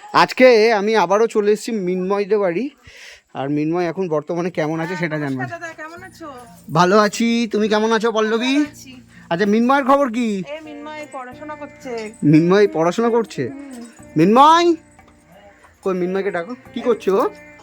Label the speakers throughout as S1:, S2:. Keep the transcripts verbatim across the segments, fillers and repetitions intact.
S1: আজকে আমি আবারও চলে এসেছি মিনময়দের বাড়ি। আর মিনময় এখন বর্তমানে কেমন আছে সেটা জানবো।
S2: কেমন আছো?
S1: ভালো আছি, তুমি কেমন আছো পল্লবী? আচ্ছা, মিনময়ের খবর কি?
S2: মিনময় পড়াশোনা করছে।
S1: মিনময় পড়াশোনা করছে? মিনময় কই, মিনময়কে ডাকো। কি করছো?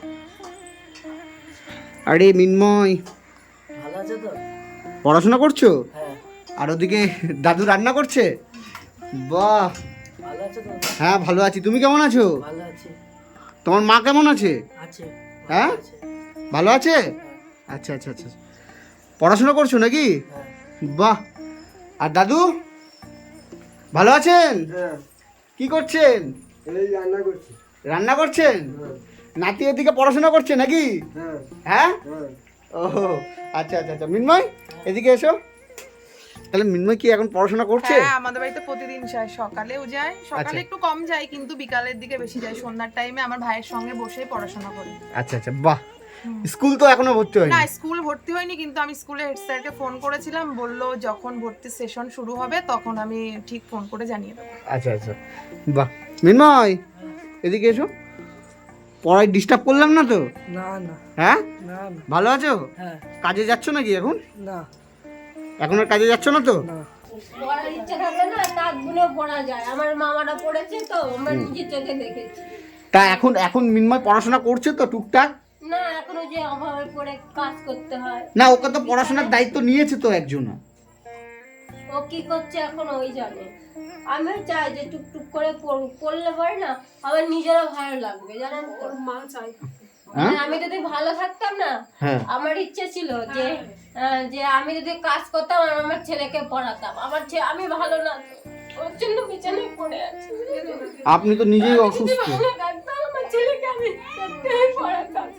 S1: আরে মিনময়,
S3: ভালো আছো তো?
S1: পড়াশোনা করছো?
S3: হ্যাঁ।
S1: আর ওদিকে দাদু রান্না করছে? বাহ,
S3: ভালো আছো তো?
S1: হ্যাঁ ভালো আছি, তুমি কেমন আছো?
S3: ভালো আছি।
S1: তোমার মা কেমন আছে?
S3: আছে।
S1: হ্যাঁ, ভালো আছে। আচ্ছা আচ্ছা আচ্ছা, পড়াশোনা করছো নাকি?
S3: হ্যাঁ।
S1: বাহ। আর দাদু ভালো আছেন?
S4: হ্যাঁ,
S1: কি করছেন?
S4: এই রান্না করছি।
S1: রান্না করছেন? নাতি এদিকে পড়াশোনা করছে নাকি?
S4: হ্যাঁ
S1: হ্যাঁ,
S4: হ্যাঁ।
S1: ও আচ্ছা আচ্ছা আচ্ছা। মিনময় এদিকে এসো। তাহলে মিনময় কি এখন পড়াশোনা করছে?
S2: হ্যাঁ, আমাদের বাড়িতে প্রতিদিন যায়, সকালেও যায়। সকালে একটু কম যায়, কিন্তু বিকালের দিকে বেশি যায়। সন্ধ্যার টাইমে আমার ভাইয়ের সঙ্গে বসে পড়াশোনা করি।
S1: আচ্ছা আচ্ছা, বাহ। স্কুল তো এখনো ভর্তি হয়নি?
S2: না, স্কুল ভর্তি হয়নি, কিন্তু আমি স্কুলে হেড স্যারকে ফোন করেছিলাম, বললো যখন ভর্তি সেশন শুরু হবে তখন আমি ঠিক ফোন করে জানিয়ে দেবো।
S1: আচ্ছা আচ্ছা, বাহ। মিনময় এদিকে এসো। পড়ায় ডিস্টার্ব করলাম না তো?
S3: না না
S1: হ্যাঁ,
S3: না না।
S1: ভালো আছো?
S3: হ্যাঁ।
S1: কাজে যাচ্ছ নাকি এখন?
S3: না
S1: এখন আর কাজে যাচ্ছ না তো?
S3: না।
S5: পড়ার ইচ্ছা থাকলে না তাক গুলো পড়া যায়। আমার মামারা পড়েছে তো, আমরা নিজের চোখে দেখেছি।
S1: তা এখন এখন মিনময় পড়াশোনা করছে তো টুকটাক?
S5: না, এখনো যে অভাবে পড়ে কাজ করতে হয়।
S1: না, ওকে তো পড়াশোনার দায়িত্ব নিয়েছে তো একজন।
S5: ও কি করছে এখন ওই জানে। আমিও চাই যে টুকটুক করে পড়ুক, পড়লে পরে না আমার নিজেরও ভালো লাগবে, জানেন তো। মা চাই আমি যদি ভালো থাকতাম না,
S1: হ্যাঁ,
S5: আমার ইচ্ছে ছিল যে আহ, যে আমি যদি কাজ করতাম আর আমার ছেলেকে পড়াতাম। আমার ছেলে আমি ভালো না তো, ওর জন্য বিছানায় পড়ে আছি।
S1: আপনি তো নিজেই অসুস্থ।
S5: ভালো থাকতাম, আমার ছেলেকে আমি সত্যিই পড়াতাম।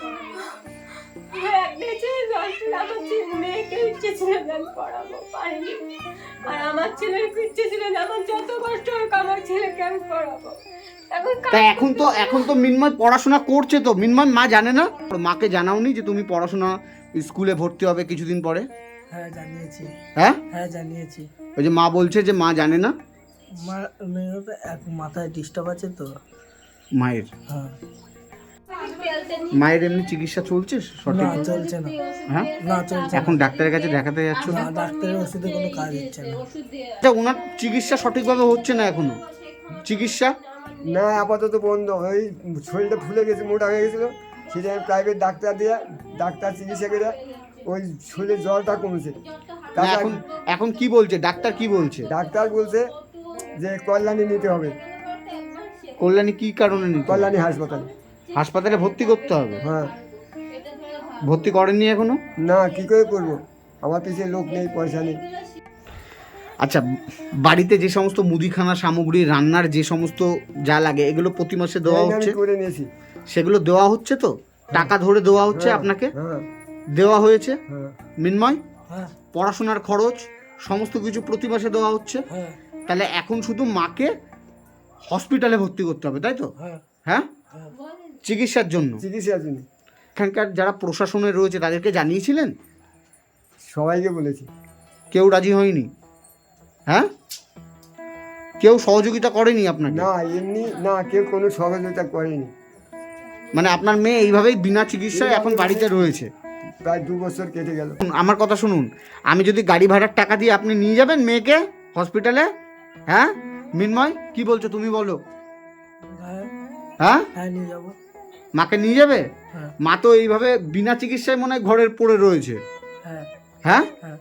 S5: একটাই ছেলে ছিল, আমার ছেলে মেয়েকে ইচ্ছে ছিল যে আমি পড়াবো, পারিনি। আর আমার ছেলের ইচ্ছে ছিল যে আমার যত কষ্ট হোক আমার ছেলেকে আমি পড়াবো। এখন
S1: তা এখন তো এখন তো মিনময় পড়াশোনা করছে তো। মিনময় মা জানে না? মাকে জানাওনি যে তুমি পড়াশোনা স্কুলে ভর্তি হবে কিছুদিন পরে?
S3: হ্যাঁ জানিয়েছি।
S1: হ্যাঁ
S3: হ্যাঁ জানিয়েছি।
S1: ওই যে মা বলছে যে মা জানে না।
S3: মা মেয়ের তো এক মাথায় ডিস্টার্ব আছে তো।
S1: মায়ের
S3: হ্যাঁ।
S1: মায়ের এমনি চিকিৎসা চলছে
S3: না
S1: সঠিক?
S3: চলছে না।
S1: হ্যাঁ,
S3: না চলছে
S1: এখন ডাক্তারের কাছে দেখাতে যাচ্ছ না?
S3: না, ডাক্তারের ওষুধে কোনো কাজ হচ্ছে না।
S1: আচ্ছা, ওনার চিকিৎসা সঠিকভাবে হচ্ছে না এখনো? চিকিৎসা
S4: না, আপাতত বন্ধ। ওই শরীরটা ফুলে গেছে, মোটা হয়ে গেছিলো, সেটা আমি প্রাইভেট ডাক্তার দিয়ে ডাক্তার চিকিৎসা করে ওই শরীরের জ্বরটা কমেছে।
S1: না,
S4: তাছাড়া
S1: এখন এখন কি বলছে ডাক্তার? কি বলছে
S4: ডাক্তার বলছে যে কল্যাণী নিতে হবে,
S1: কল্যাণী কি কারণে নিতে হবে?
S4: কল্যাণী হাসপাতালে।
S1: হাসপাতালে ভর্তি করতে হবে?
S4: হ্যাঁ।
S1: ভর্তি করেননি এখনো?
S4: না, কি করে করবো, আমার পিছিয়ে লোক নেই, পয়সা নেই।
S1: আচ্ছা, বাড়িতে যে সমস্ত মুদিখানা সামগ্রী, রান্নার যে সমস্ত যা লাগে, এগুলো প্রতি মাসে দেওয়া
S4: এই আমি
S1: হচ্ছে?
S4: করে নিয়েছি।
S1: সেগুলো দেওয়া হচ্ছে তো? টাকা ধরে দেওয়া হচ্ছে
S4: হ্যাঁ,
S1: আপনাকে?
S4: হ্যাঁ
S1: দেওয়া হয়েছে?
S4: হ্যাঁ
S1: মিনময়,
S3: হ্যাঁ
S1: পড়াশোনার খরচ সমস্ত কিছু প্রতি মাসে দেওয়া হচ্ছে?
S3: হ্যাঁ
S1: তাহলে এখন শুধু মাকে হসপিটালে ভর্তি করতে হবে, তাই তো?
S3: হ্যাঁ
S1: হ্যাঁ,
S3: হ্যাঁ।
S1: চিকিৎসার জন্য।
S4: চিকিৎসার জন্য
S1: এখানকার যারা প্রশাসনে রয়েছে তাদেরকে জানিয়েছিলেন?
S4: সবাইকে বলেছি।
S1: কেউ রাজি হয়নি? হ্যাঁ, কেউ সহযোগিতা করেনি আপনাকে?
S4: না, এমনি না, কেউ কোনো সহযোগিতা করেনি।
S1: মানে আপনার মেয়ে এইভাবেই বিনা চিকিৎসায় এখন বাড়িতে রয়েছে?
S4: প্রায় দু বছর কেটে গেল।
S1: আমার কথা শুনুন, আমি যদি গাড়ি ভাড়ার টাকা দিয়ে আপনি নিয়ে যাবেন মেয়েকে হসপিটালে? হ্যাঁ মিনময়, কি বলছো তুমি বলো?
S3: হ্যাঁ
S1: হ্যাঁ,
S3: হ্যাঁ নিয়ে যাবো।
S1: মাকে নিয়ে যাবে?
S3: হ্যাঁ
S1: মা তো এইভাবে বিনা চিকিৎসায় মনে হয় ঘরের পড়ে রয়েছে।
S3: হ্যাঁ
S1: হ্যাঁ,
S3: হ্যাঁ।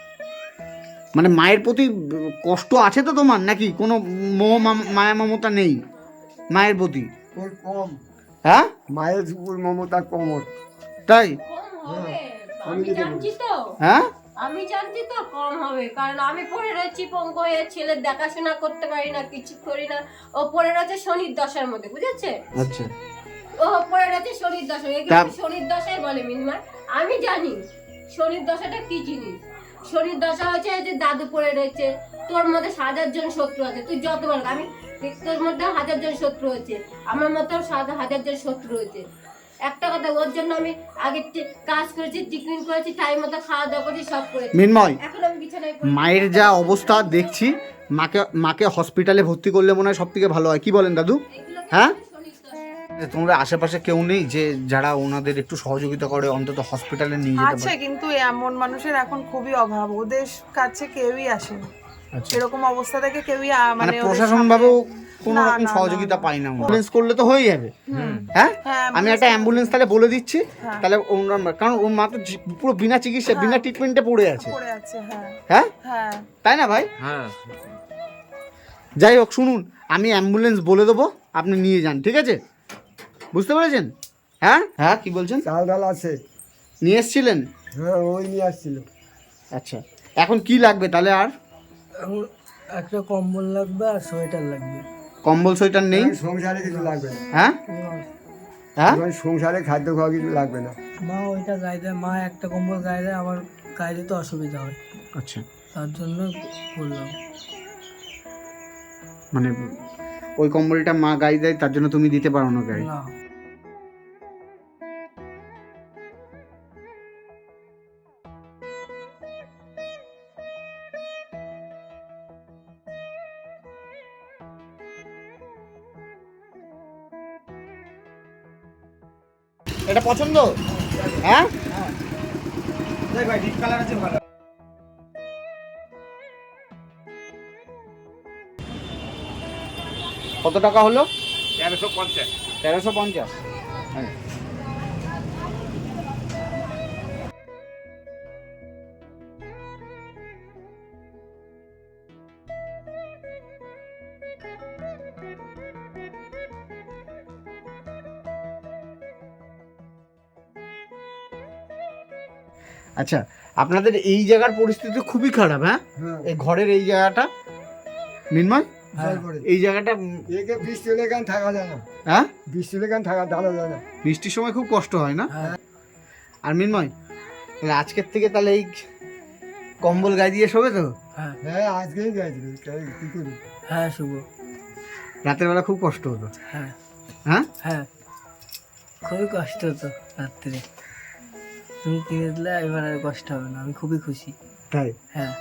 S1: মানে মায়ের প্রতি কষ্ট আছে তো তোমার, নাকি কোনো মোহ মাম- মায়া মমতা নেই মায়ের প্রতি?
S4: ওর কম,
S1: হ্যাঁ,
S4: মায়ের উপর মমতা কম ওর।
S1: তাই?
S5: কম হবে,
S4: আমি
S5: আমি
S4: যেতে
S5: জানছি তো।
S1: হ্যাঁ,
S5: আমি জানছি তো কম হবে, কারণ আমি পড়ে রয়েছি পঙ্ক হয়ে, ছেলের দেখাশোনা করতে পারি না, কিছু করি না। ও পড়ে রয়েছে শনির দশার মধ্যে, বুঝেছে?
S1: আচ্ছা।
S5: ও পড়ে রয়েছে শনির দশা। এগুলো
S1: তা-
S5: শনির দশাই বলে মিনময়। আমি জানি শনির দশাটা কি জিনিস। শনির দশা হচ্ছে যে দাদু পড়ে রয়েছে, তোর মধ্যে হাজার জন শত্রু আছে, তুই যতবার আমি তোর মধ্যে হাজার জন শত্রু হয়েছে, আমার মধ্যেও হাজার জন শত্রু হয়েছে। একটা কথা, ওর জন্য আমি আগে টি- কাজ করেছি, টিফিন করেছি, টাইম মতো খাওয়া দাওয়া করেছি, সব করেছি।
S1: মিনময়,
S5: এখন আমি বিছানায় পড়ে-
S1: মায়ের যা অবস্থা দেখছি, মাকে মাকে হসপিটালে ভর্তি করলে মনে হয় সব থেকে ভালো হয়। কি বলেন দাদু?
S5: এগুলোকে
S1: হ্যাঁ তোমরা আশেপাশে কেউ নেই যে যারা ওনাদের একটু সহযোগিতা করে অন্তত হসপিটালে নিয়ে যেতে
S2: আছে,
S1: পারে?
S2: কিন্তু এমন মানুষের এখন খুবই অভাব, ওদের কাছে কেউই আসেনি।
S1: আচ্ছা,
S2: এরকম অবস্থা থেকে কেউই আ-
S1: মানে
S2: মানে ওদের
S1: প্রশাসন
S2: সামনে-
S1: ভাবেও কোনো
S2: না,
S1: রকম
S2: না,
S1: সহযোগিতা
S2: না,
S1: পাই না। অ্যাম্বুলেন্স করলে তো হয়ে যাবে।
S2: হুম।
S1: হ্যাঁ
S2: হ্যাঁ,
S1: আমি একটা অ্যাম্বুলেন্স তাহলে বলে দিচ্ছি,
S2: হ্যাঁ।
S1: তাহলে ওনার কারণ ওর মা তো জি- পুরো বিনা চিকিৎসা বিনা ট্রিটমেন্টে পড়ে আছে।
S2: পড়ে আছে, হ্যাঁ
S1: হ্যাঁ
S2: হ্যাঁ।
S1: তাই না ভাই?
S6: হ্যাঁ
S1: যাই হোক শুনুন, আমি অ্যাম্বুলেন্স বলে দেবো, আপনি নিয়ে যান, ঠিক আছে? বুঝতে পেরেছেন? হ্যাঁ হ্যাঁ কি বলছেন?
S4: চাল ডাল আছে।
S1: নিয়ে এসছিলেন?
S4: হ্যাঁ ওই নিয়ে আসছিল।
S1: আচ্ছা, এখন কি লাগবে তাহলে? আর
S3: এখন একটা কম্বল লাগবে আর সোয়েটার লাগবে।
S1: কম্বল সোয়েটার নেই?
S4: এখন সংসারে কিছু লাগবে না।
S1: হ্যাঁ হ্যাঁ
S4: এখন সংসারে খাদ্য খাওয়া কিছু লাগবে না।
S3: মা ওইটা গায়ে দেয়, মা একটা কম্বল গায়ে দেয়, আমার গায়ে দিতে অসুবিধা হয়,
S1: আচ্ছা,
S3: তার জন্য বললাম।
S1: মানে ওই কম্বলটা মা গায়ে দেয়, তার জন্য তুমি দিতে পারো না গায়ে?
S3: না,
S1: এটা পছন্দ? হ্যাঁ কত টাকা হলো?
S6: তেরোশো পঞ্চাশ।
S1: তেরোশো পঞ্চাশ। আচ্ছা, আপনাদের এই জায়গার পরিস্থিতি খুবই খারাপ। হ্যাঁ
S4: হ্যাঁ
S1: এই ঘরের এই জায়গাটা মিনময়,
S3: হ্যাঁ,
S4: তারপরে
S1: এই জায়গাটা উম,
S4: একে বৃষ্টি হলে কেন থাকা যায় না,
S1: হ্যাঁ
S4: বৃষ্টি হলে কেন থাকা দাঁড়া যায় না।
S1: বৃষ্টির সময় খুব কষ্ট হয় না?
S3: হ্যাঁ।
S1: আর মিনময়, তাহলে আজকের থেকে তাহলে এই কম্বল গায়ে দিয়ে শোবে তো?
S3: হ্যাঁ
S4: হ্যাঁ আজকেই গেছিল, কি করি।
S3: হ্যাঁ শুভ।
S1: রাতের বেলা খুব কষ্ট হতো।
S3: হ্যাঁ
S1: হ্যাঁ
S3: হ্যাঁ খুবই কষ্ট হতো রাত্রে, তুমি কিনে দিলে এবার আর কষ্ট হবে না, আমি খুবই খুশি।
S1: তাই?
S3: হ্যাঁ,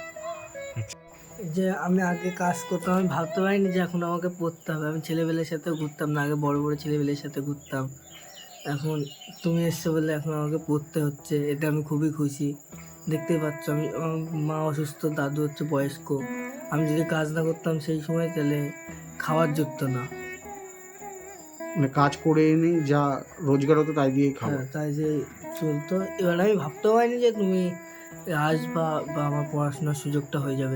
S3: যে আমি আগে কাজ করতাম, আমি ভাবতে পারিনি যে এখন আমাকে পড়তে হবে। আমি ছেলেবেলের সাথে ঘুরতাম না, আগে বড় বড় ছেলেবেলের সাথে ঘুরতাম, এখন তুমি এসছো বলে এখন আমাকে পড়তে হচ্ছে, এটা আমি খুবই খুশি। দেখতেই পাচ্ছ, আমি আমার মা অসুস্থ, দাদু হচ্ছে বয়স্ক, আমি যদি কাজ না করতাম সেই সময় তাহলে খাওয়ার জুটতো না।
S1: মানে কাজ করে এনে যা রোজগার হতো তাই দিয়েই খাবো।
S3: হ্যাঁ, তাই যে চলতো। এবার আমি ভাবতেও পারিনি যে তুমি আসবা বা আমার পড়াশোনার সুযোগটা হয়ে যাবে।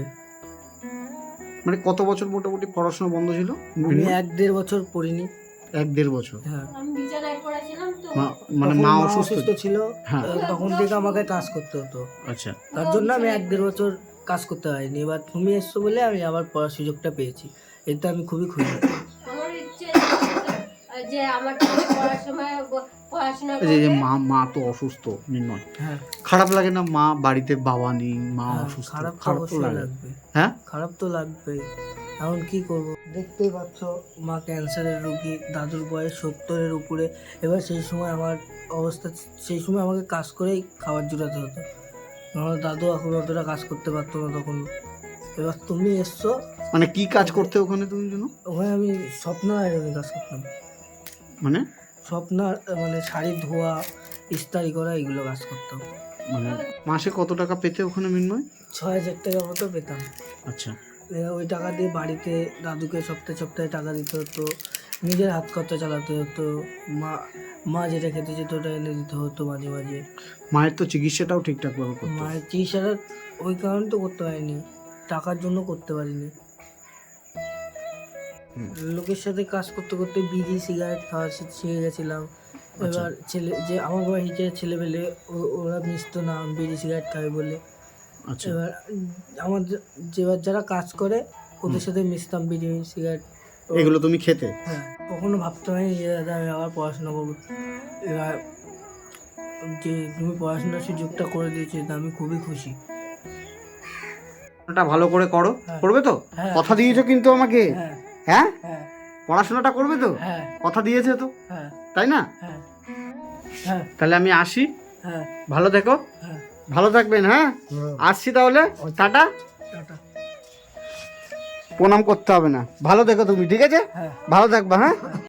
S1: মানে কত বছর মোটামুটি পড়াশোনা বন্ধ ছিল?
S3: আমি এক দেড় বছর পড়িনি।
S1: এক দেড় বছর।
S3: হ্যাঁ,
S5: আমি বিছানায় পড়েছিলাম তো।
S1: মা- মানে
S3: তখন
S1: মা
S3: মা
S1: অসুস্থ?
S3: অসুস্থ ছিল,
S1: হ্যাঁ।
S3: আহ, তখন থেকে আমাকে কাজ করতে হতো,
S1: আচ্ছা,
S3: তার জন্য আমি এক দেড় বছর কাজ করতে পারিনি। এবার তুমি এসছো বলে আমি আবার পড়ার সুযোগটা পেয়েছি, এতে আমি খুবই খুশি।
S5: আমার ইচ্ছে যে আমার পড়ার সময় ব- পড়াশোনা
S1: এই যে- যে
S5: করবে।
S1: মা মা তো অসুস্থ নির্ময়,
S3: হ্যাঁ,
S1: খারাপ লাগে না? মা বাড়িতে, বাবা নেই, মা
S3: হ্যাঁ,
S1: অসুস্থ,
S3: খারাপ তো
S1: খারাপ তো
S3: অবশ্যই
S1: লাগে।
S3: লাগবে,
S1: হ্যাঁ
S3: খারাপ তো লাগবেই। এখন কি করব, দেখতেই পাচ্ছ মা ক্যান্সারের রোগী, দাদুর বয়স সত্তরের উপরে। এবার সেই সময় আমার অবস্থা, সেই সময় আমাকে কাজ করেই খাবার জোটাতে হতো, আমার দাদু এখন অতটা কাজ করতে পারতো না তখন। এবার তুমি এসছো,
S1: মানে কি কাজ করতে ওখানে তুমি জন্য?
S3: ওখানে আমি স্বপ্ন আয়রনে কাজ করতাম,
S1: মানে
S3: স্বপ্ন মানে শাড়ি ধোয়া, ইস্তারি করা, এগুলো কাজ করতাম।
S1: মানে মাসে কত টাকা পেতে ওখানে মিনময়?
S3: ছয় হাজার টাকা মতো পেতাম।
S1: আচ্ছা,
S3: এ, ওই টাকা দিয়ে বাড়িতে দাদুকে সপ্তাহে সপ্তাহে টাকা দিতে হতো, নিজের হাত খরচা চালাতে হতো, মা মা যেটা খেতে যেত ওটা এনে দিতে হতো মাঝে মাঝে।
S1: মায়ের তো চিকিৎসাটাও ঠিকঠাক ভাবে করতে হতো।
S3: মায়ের চিকিৎসাটা ওই কারণে তো করতে পারিনি, টাকার জন্য করতে পারিনি।
S1: হুম।
S3: লোকের সাথে কাজ করতে করতে বিড়ি সিগারেট খাওয়া শি- শিখে গেছিলাম। এবার ছেলে যে আমার বয়সী যে ছেলেবেলে ও- ওরা মিশতো না বিড়ি সিগারেট খাবে বলে।
S1: আচ্ছা,
S3: এবার আমাদের যেবার যারা কাজ করে ওদের সাথে মিশতাম, বিড়ি সিগারেট।
S1: এগুলো তুমি খেতে?
S3: হ্যাঁ, কখনো ভাবতে পারিনি যে দাদা আমি আবার পড়াশোনা করবো। এবার যে তুমি পড়াশোনার সুযোগটা করে দিয়েছো, এটা আমি খুবই খুশি।
S1: ওটা ভালো করে করো,
S3: হ্যাঁ।
S1: করবে তো?
S3: হ্যাঁ।
S1: কথা দিয়েছো কিন্তু আমাকে?
S3: হ্যাঁ
S1: হ্যাঁ,
S3: হ্যাঁ
S1: পড়াশোনাটা করবে তো?
S3: হ্যাঁ
S1: কথা দিয়েছে তো,
S3: হ্যাঁ
S1: তাই না?
S3: হ্যাঁ হ্যাঁ
S1: তাহলে আমি আসি,
S3: হ্যাঁ
S1: ভালো থেকো,
S3: হ্যাঁ,
S1: ভালো থাকবেন। হ্যাঁ,
S4: হ্যাঁ।
S1: আসছি তাহলে, টাটা।
S3: টাটা।
S1: প্রণাম করতে হবে না, ভালো থেকো তুমি, ঠিক আছে?
S3: হ্যাঁ।
S1: ভালো থাকবা। হ্যাঁ।